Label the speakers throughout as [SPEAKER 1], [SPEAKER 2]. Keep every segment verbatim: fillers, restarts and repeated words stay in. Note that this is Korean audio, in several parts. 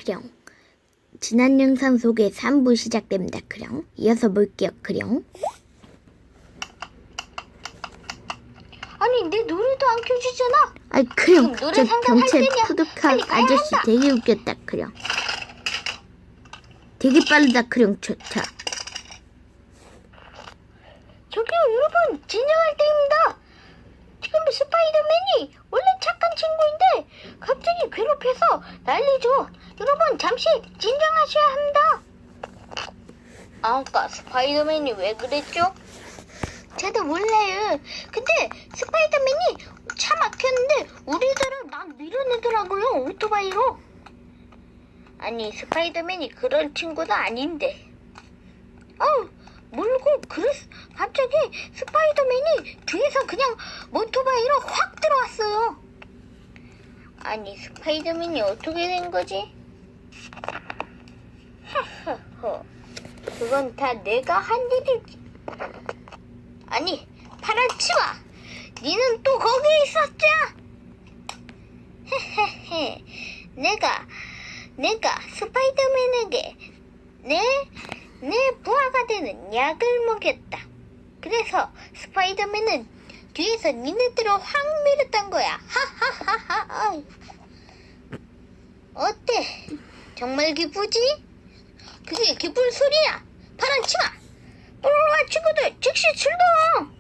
[SPEAKER 1] 크령. 지난 영상 속에 삼 부 시작됩니다. 크령. 이어서 볼게요. 크령.
[SPEAKER 2] 아니 내 노래도 안 켜주잖아.
[SPEAKER 1] 아이 크령,
[SPEAKER 2] 지금 노래
[SPEAKER 1] 저
[SPEAKER 2] 상담할
[SPEAKER 1] 경찰
[SPEAKER 2] 때냐?
[SPEAKER 1] 푸드카
[SPEAKER 2] 빨리 가야
[SPEAKER 1] 아저씨
[SPEAKER 2] 한다.
[SPEAKER 1] 되게 웃겼다. 크령. 되게 빠르다. 크령. 좋다.
[SPEAKER 2] 저기요 여러분, 진정할 때입니다. 지금 스파이더맨이 원래 착한 친구인데 갑자기 괴롭혀서 난리죠. 여러분 잠시 진정하셔야 합니다. 아까 스파이더맨이 왜 그랬죠? 저도 몰라요. 근데 스파이더맨이 차 막혔는데 우리들을 막 밀어내더라고요, 오토바이로. 아니 스파이더맨이 그런 친구도 아닌데. 어 몰고 그랬 갑자기 스파이더맨이 뒤에서 그냥 오토바이로 확 들어왔어요. 아니 스파이더맨이 어떻게 된 거지? 하하하, 그건 다 내가 한 일이지. 아니 파란 치마, 니는 또 거기에 있었자? 헤헤헤, 내가 내가 스파이더맨에게 내 내 부하가 되는 약을 먹였다. 그래서 스파이더맨은 뒤에서 니네들을 확 밀었단 거야. 하하하하. 어때? 정말 기쁘지? 그게 기쁜 소리야. 파란 치마. 뽀로로와 친구들 즉시 출동.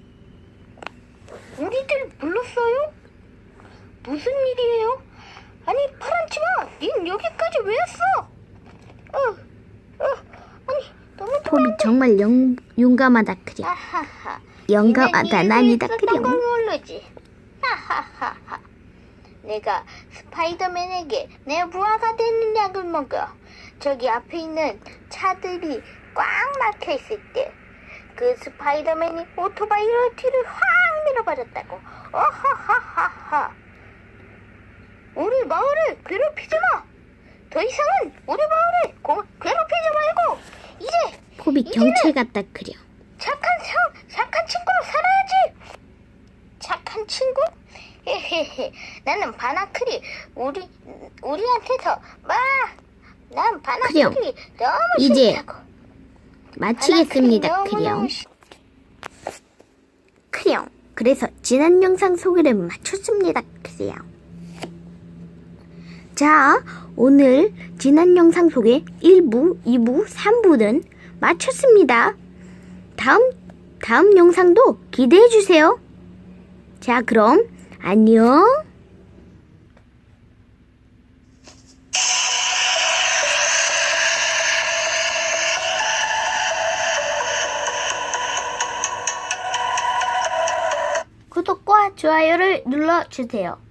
[SPEAKER 2] 우리들 불렀어요? 무슨 일이에요? 아니 파란 치마, 닌 여기까지 왜 왔어? 어, 어, 아니 너무
[SPEAKER 1] 폼이 정말 영, 용감하다. 크령.
[SPEAKER 2] 하하하.
[SPEAKER 1] 영감하다. 난이다.
[SPEAKER 2] 그런 걸
[SPEAKER 1] 크령.
[SPEAKER 2] 모르지. 하하하하. 내가 스파이더맨에게 내 부하가 되는 약을 먹어. 저기 앞에 있는 차들이 꽉 막혀 있을 때 그 스파이더맨이 오토바이로 뒤를 확 밀어버렸다고. 어하하하하. 우리 마을을 괴롭히지 마. 더 이상은 우리 마을을 고, 괴롭히지 말고 이제
[SPEAKER 1] 폼이
[SPEAKER 2] 이제는
[SPEAKER 1] 경찰 같다. 크령.
[SPEAKER 2] 착한 형, 착한 친구로 살아야지. 착한 친구? 헤헤헤. 나는 바나클이 우리 우리한테서 막, 난 바나클이
[SPEAKER 1] 크령,
[SPEAKER 2] 너무
[SPEAKER 1] 이제
[SPEAKER 2] 싫다고.
[SPEAKER 1] 마치겠습니다.
[SPEAKER 2] 바나클이
[SPEAKER 1] 크령.
[SPEAKER 2] 너무너무 싫-
[SPEAKER 1] 크령. 그래서 지난 영상 소개를 마쳤습니다. 크령. 자, 오늘 지난 영상 속에 일 부, 이 부, 삼 부는 마쳤습니다. 다음, 다음 영상도 기대해 주세요. 자, 그럼 안녕. 구독과 좋아요를 눌러주세요.